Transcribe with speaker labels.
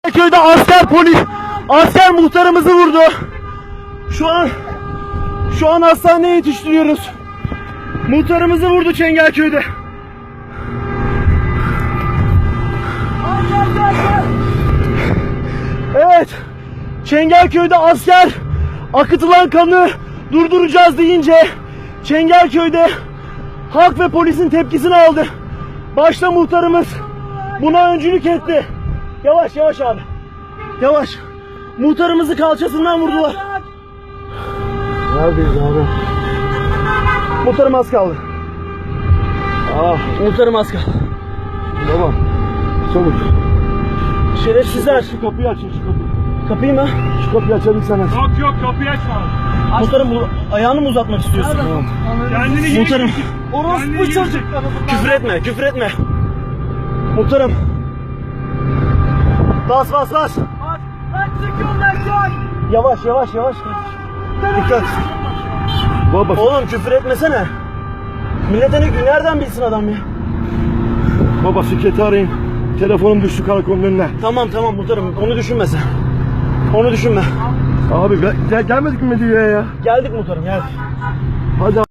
Speaker 1: Köyde asker muhtarımızı vurdu. Şu an hastaneye yetiştiriyoruz. Muhtarımızı vurdu Çengelköy'de. Evet. Çengelköy'de asker akıtılan kanı durduracağız deyince Çengelköy'de halk ve polisin tepkisini aldı. Başta muhtarımız buna öncülük etti. Yavaş yavaş abi. Yavaş. Muhtarımızı kalçasından vurdular.
Speaker 2: Neredeyiz abi?
Speaker 1: Muhtarım az kaldı. Muhtarım az kaldı.
Speaker 2: Baba. Çabuk.
Speaker 1: Şerefsizler.
Speaker 2: Şu kapıyı açın, şu kapıyı.
Speaker 1: Kapıyı mı?
Speaker 2: Şu kapıyı açabilsene.
Speaker 3: Yok kapıyı açma.
Speaker 1: Muhtarım ayağını mı uzatmak istiyorsun?
Speaker 2: Tamam.
Speaker 3: Kendini
Speaker 1: Muhtarım.
Speaker 3: Orospu çocuk.
Speaker 1: Küfür etme, küfür etme. Muhtarım. Bas.
Speaker 3: Lan çıkın lan çay.
Speaker 1: Yavaş. Dikkat.
Speaker 2: Baba.
Speaker 1: Oğlum küfür etmesene. Millete nereden bilsin adam ya?
Speaker 2: Baba şirketi arayın. Telefonum düştü karakolun önüne.
Speaker 1: Tamam muhtarım, onu düşünme sen. Onu düşünme.
Speaker 2: Abi gelmedik mi diye ya?
Speaker 1: Geldik muhtarım, geldik.
Speaker 2: Hadi.